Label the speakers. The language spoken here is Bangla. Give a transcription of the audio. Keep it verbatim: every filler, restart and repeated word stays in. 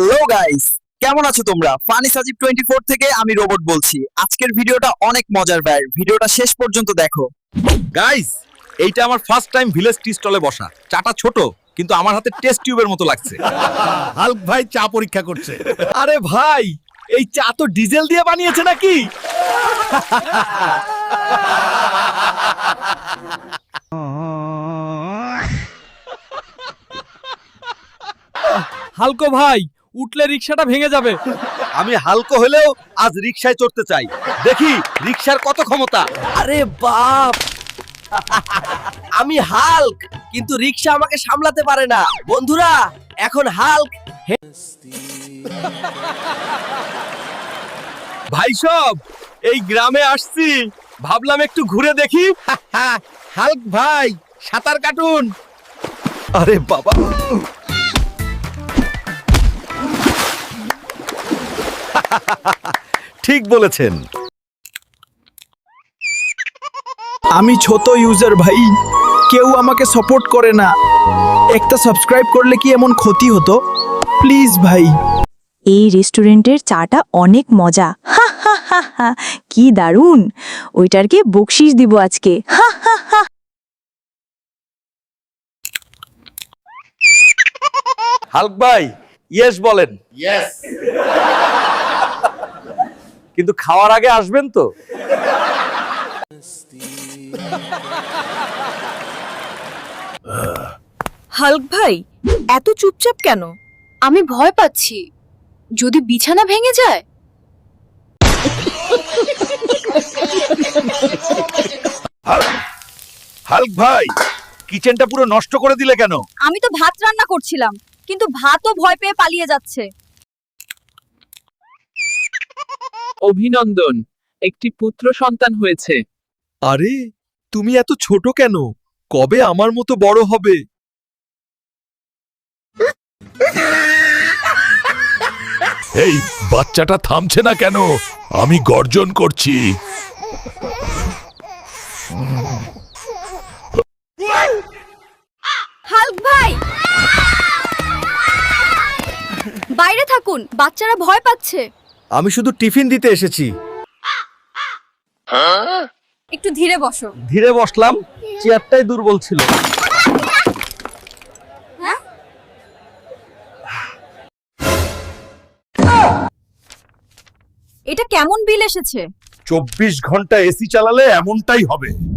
Speaker 1: হ্যালো গাইস, কেমন আছো তোমরা? ফানি সাজিব টোয়েন্টি ফোর থেকে আমি রোবট বলছি। আজকের ভিডিওটা অনেক মজার ভাই, ভিডিওটা শেষ পর্যন্ত দেখো।
Speaker 2: গাইস, এইটা আমার ফার্স্ট টাইম ভিলেজ টি স্টলে বসা। চাটা ছোট, কিন্তু আমার হাতে টেস্ট টিউবের মতো লাগছে।
Speaker 3: হাল্ক ভাই চা পরীক্ষা করছে।
Speaker 2: আরে ভাই, এই চা তো ডিজেল দিয়ে বানিয়েছে নাকি?
Speaker 4: হালকো ভাই, উঠলে রিকশাটা ভেঙে যাবে।
Speaker 2: আমি হালকা হলেও আজ রিকশায় চড়তে চাই। দেখি রিকশার কত ক্ষমতা।
Speaker 5: আরে বাপ, আমি হাল্ক, কিন্তু রিকশা আমাকে সামলাতে পারে না। বন্ধুরা, এখন হাল্ক
Speaker 2: ভাই সব, এই গ্রামে আসছি, ভাবলাম একটু ঘুরে দেখি।
Speaker 3: হাল্ক ভাই সাঁতার কাটুন।
Speaker 2: আরে বাবা, ঠিক বলেছেন।
Speaker 1: আমি ছোট ইউজার ভাই, কেউ আমাকে সাপোর্ট করে না। একটা সাবস্ক্রাইব করলে কি এমন ক্ষতি হতো? প্লিজ ভাই।
Speaker 6: এই রেস্টুরেন্টের চাটা অনেক মজা। হা হা হা হা, কি দারুণ! ওইটারকে বকশিস দিব আজকে। হা হা হা।
Speaker 2: হাল্ক ভাই, ইয়েস বলেন। ইয়েস। কিন্তু খাওয়ার আগে আসবেন তো?
Speaker 7: হাল্ক ভাই, এত চুপচাপ কেন?
Speaker 8: আমি ভয় পাচ্ছি, যদি বিছানা ভেঙে যায়।
Speaker 2: হাল্ক ভাই, কিচেনটা পুরো নষ্ট করে দিলে কেন?
Speaker 7: আমি তো ভাত রান্না করছিলাম, কিন্তু ভাতও ভয় পেয়ে পালিয়ে যাচ্ছে।
Speaker 4: অভিনন্দন, একটি পুত্র সন্তান হয়েছে।
Speaker 2: আরে, তুমি এত ছোট কেন? কবে আমার মতো বড় হবে?
Speaker 3: এই বাচ্চাটা থামছে না কেন? আমি গর্জন করছি।
Speaker 7: হাল্ক ভাই, বাইরে থাকুন, বাচ্চারা ভয় পাচ্ছে।
Speaker 5: আমি শুধু টিফিন দিতে এসেছি।
Speaker 7: একটু ধীরে বসো।
Speaker 2: ধীরে বসলাম, চেয়ারটাই দুর্বল ছিল।
Speaker 7: এটা কেমন বিল এসেছে?
Speaker 3: চব্বিশ ঘন্টা এসি চালালে এমনটাই হবে।